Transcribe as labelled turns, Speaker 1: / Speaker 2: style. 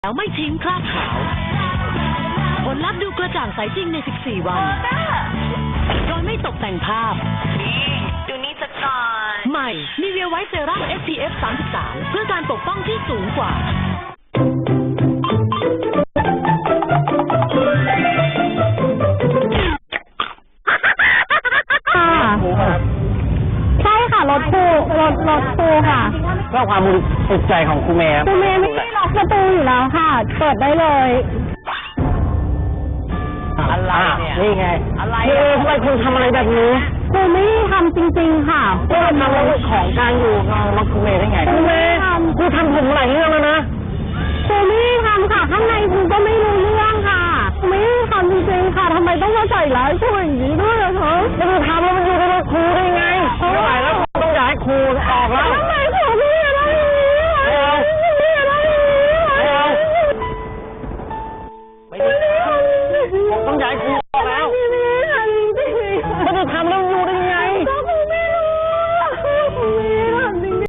Speaker 1: แล้วไม่ทิ้งคราบขาวผลลัพธ์ดูกระจ่างใสจริงใน 14 วัน โดยไม่ตกแต่งภาพ
Speaker 2: ดูนี่สักก่อน
Speaker 1: ใหม่ Nivea White Serum SPF 33 เพื่อการปกป้องที่สูงกว่า
Speaker 3: ใช่ค่ะรถครูค่ะ
Speaker 4: เพื่อความสุขใจของครูเมย์ครับ
Speaker 3: ครูเมย์ไม่ได้ล็อกประตูอยู่แล้วค่ะเปิดได้เลย
Speaker 4: อะไรเนี่ยนี่ไง
Speaker 2: อะไร
Speaker 4: ทำไมคุณทำอะไรแบบนี้
Speaker 3: ครูไม่ได้ทำจริงๆค่ะ
Speaker 4: ก็ทำแล้วของกลางอยู่เราล็อกครูเมย์ได้ไงครูเมย์ครูทำผมหลายเรื่องแล้วนะ
Speaker 3: ครูไม่ได้ทำค่ะข้างในครูก็ไม่รู้เรื่องค่ะไม่ได้ทำจริงๆค่ะทำไมต้องมาใส่ร้ายครูอย่างนี้ด้วยอะคะ
Speaker 4: แล้วครูทำแล้วมันอยู่ในรถครูได้ไงไม่ไหวแล้วต้องย้ายครูออกแล้ว
Speaker 3: ทำไมครูไม่อะไรอย่างนี้ไม่อะไรอย่างนี้
Speaker 4: ไม่เอาผมต้องย้ายครู